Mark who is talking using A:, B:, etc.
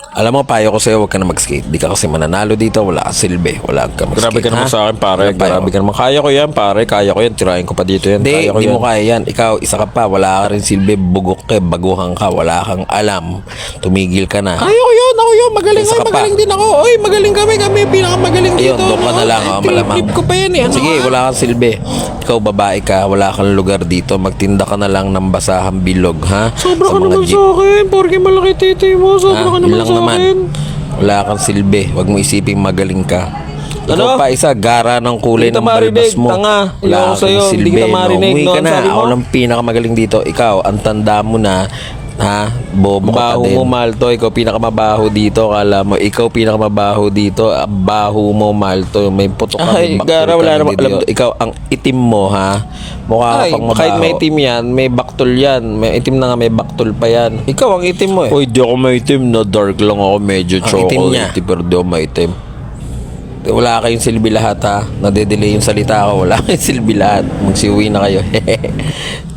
A: Alam mo, payo ko sa'yo, huwag ka na mag-skate. Di ka kasi mananalo dito, wala ka silbi, wala ka mag-skate.
B: Grabe ka naman
A: ha?
B: sa akin, pare.
A: Ano, payo
B: Grabe
A: ko?
B: ka naman. Kaya ko yan, pare. Kaya ko yan. Tirahin ko pa dito yan.
A: Hindi,
B: Kaya ko
A: hindi
B: yan.
A: mo kaya yan. Ikaw, isa ka pa, wala ka rin silbi, bugok ka, baguhan ka, wala kang alam. Tumigil ka na.
B: Kaya ko yun. Ako yun. Magaling
A: Isa
B: ako.
A: ka pa.
B: Magaling din ako. Oy, magaling kami. Kami yung pinakamagaling
A: Ayun,
B: dito.
A: doon ka na lang, malamang.
B: Trip ko pa yan eh. Ano
A: Sige,
B: ka?
A: wala kang silbi. Ikaw, babae ka, wala kang lugar dito. Magtinda ka na lang ng basahang bilog, ha?
B: Sobra
A: Sa
B: ka
A: mga
B: naman
A: jeep.
B: sa akin. Porke malaki titi mo. Sobra
A: Ha?
B: ka
A: Yun
B: naman
A: lang
B: sa
A: naman.
B: akin.
A: Wala kang silbi. Huwag mo isiping magaling ka. Ikaw
B: Ano?
A: pa isa, gara ng kulay
B: Hindi
A: ng
B: kita marinig,
A: balbas mo.
B: tanga.
A: Wala
B: Ayoko
A: kang
B: sa'yo, hindi
A: silbi.
B: kita marinig,
A: Umuwi
B: no?
A: ka
B: Ang
A: na.
B: sabi mo?
A: Ako lang pinakamagaling dito. Ikaw, ang tanda mo na, ha? Bobo ka pa
B: Baho
A: din.
B: mo, Malto. Ikaw pinakamabaho dito. Kala mo, ikaw pinakamabaho dito. Baho mo, Malto. May putok ka.
A: Ay,
B: may baktol
A: gara,
B: ka
A: wala
B: na
A: namang
B: dito.
A: alam. Ikaw, ang itim mo, ha? Mukha ka
B: Ay,
A: pang mabaho.
B: kahit may itim yan, may baktol yan. May itim na nga, may baktol pa yan.
A: Ikaw, ang itim mo eh.
B: Uy, di ako maitim na dark lang ako. Medyo
A: Ang itim niya.
B: chocolate. Pero di ako maitim.
A: Wala kayong silbi lahat, ha? Nade-delay yung salita ko. Wala kayong silbi lahat. Magsiuwi na kayo.